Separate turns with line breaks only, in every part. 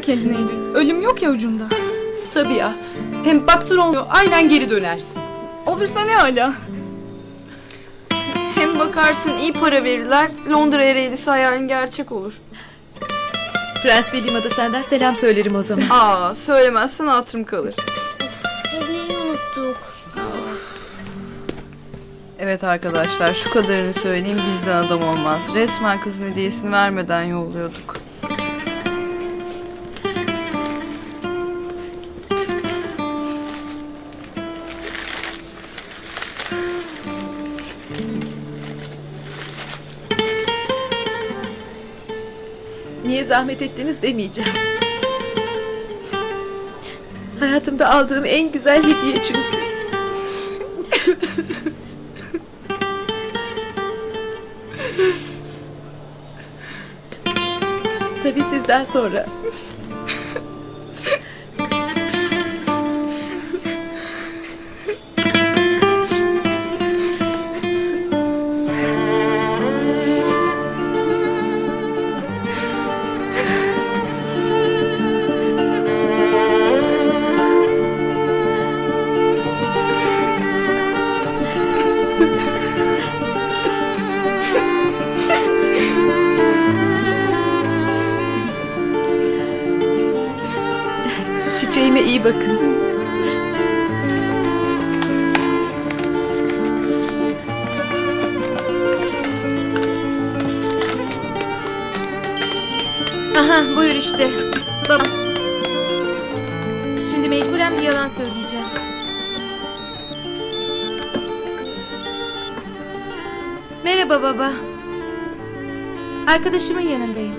kendine Eylül. Ölüm yok ya ucunda.
Tabii ya. Hem baktın olmuyor, aynen geri dönersin.
Olursa ne hala?
Hem bakarsın iyi para verirler, Londra'ya reydisi hayalin gerçek olur.
Prens William'a da senden selam söylerim o zaman.
Aa, söylemezsen hatırım kalır.
Hediyeyi unuttuk.
Evet arkadaşlar, şu kadarını söyleyeyim, bizden adam olmaz. Resmen kızın hediyesini vermeden yolluyorduk.
Niye zahmet ettiniz demeyeceğim. Hayatımda aldığım en güzel hediye çünkü. Tabii sizden sonra. Çiçeğime iyi bakın.
Aha buyur işte. Baba. Şimdi mecburen bir yalan söyleyeceğim. Merhaba baba. Arkadaşımın yanındayım.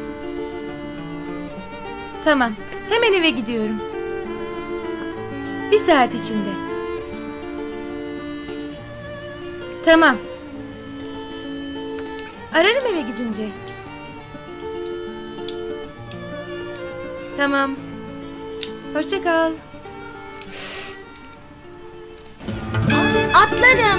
Tamam. Hemen eve gidiyorum. Bir saat içinde. Tamam. Ararım eve gidince. Tamam. Hoşça kal.
Atlarım.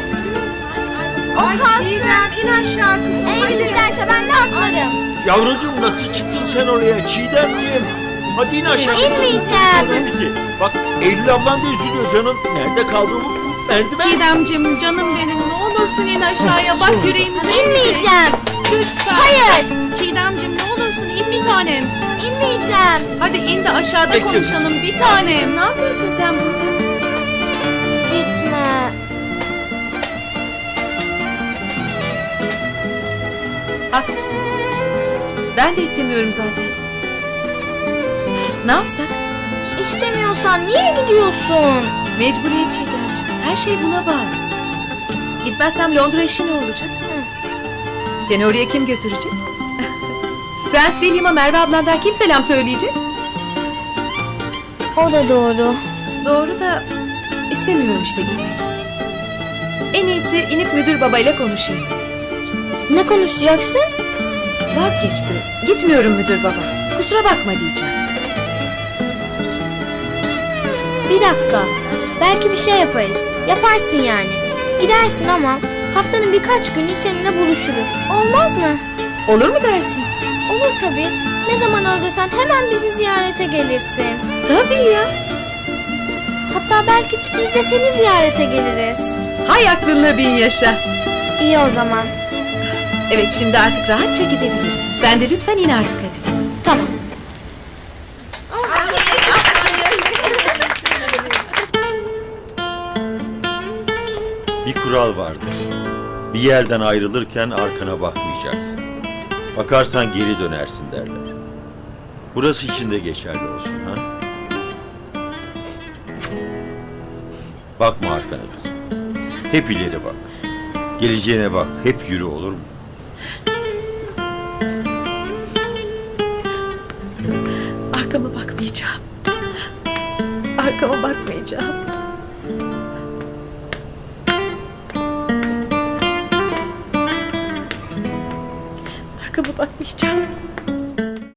O kalsın. İn aşağı kızım. Eğer giderse ben de atlarım.
Yavrucuğum nasıl çıktın sen oraya Çiğdemciğim? Hadi in aşağı.
İnmeyeceğim.
Bizi. Bak Eylül ablan da üzülüyor canım. Nerede kaldı bu merdiven?
Çiğdemciğim, canım benim, ne olursun in aşağıya, bak yüreğimize.
İnmeyeceğim.
Lütfen.
Hayır.
Çiğdemciğim, ne olursun in bir tanem.
İnmeyeceğim.
Hadi in de aşağıda
Bekle
konuşalım bir tanem.
Ne yapıyorsun sen burada?
Gitme.
Haklısın. Ben de istemiyorum zaten. Ne yapsak?
İstemiyorsan niye gidiyorsun?
Mecburiyet Çiğdemciğim. Her şey buna bağlı. Gitmezsem Londra işi ne olacak? Seni oraya kim götürecek? Prens William'a Merve ablandan kim selam söyleyecek?
O da doğru.
Doğru da istemiyorum işte gitmek. En iyisi inip müdür babayla konuşayım.
Ne konuşacaksın?
Vazgeçtim. Gitmiyorum müdür baba. Kusura bakma diyeceğim.
Bir dakika. Belki bir şey yaparız. Yaparsın yani. Gidersin ama haftanın birkaç günü seninle buluşuruz. Olmaz mı?
Olur mu dersin?
Olur tabii. Ne zaman özlesen hemen bizi ziyarete gelirsin.
Tabii ya.
Hatta belki biz de seni ziyarete geliriz.
Hay aklınla bin yaşa.
İyi o zaman.
Evet şimdi artık rahatça gidebilirim. Sen de lütfen in artık hadi.
Tamam.
Bir kural vardır. Bir yerden ayrılırken arkana bakmayacaksın. Bakarsan geri dönersin derler. Burası için de geçerli olsun ha. Bakma arkana kızım. Hep ileri bak. Geleceğine bak. Hep yürü olur mu?
Arkama bakmayacağım. Arkama bakmayacağım. Arkama bakmayacağım.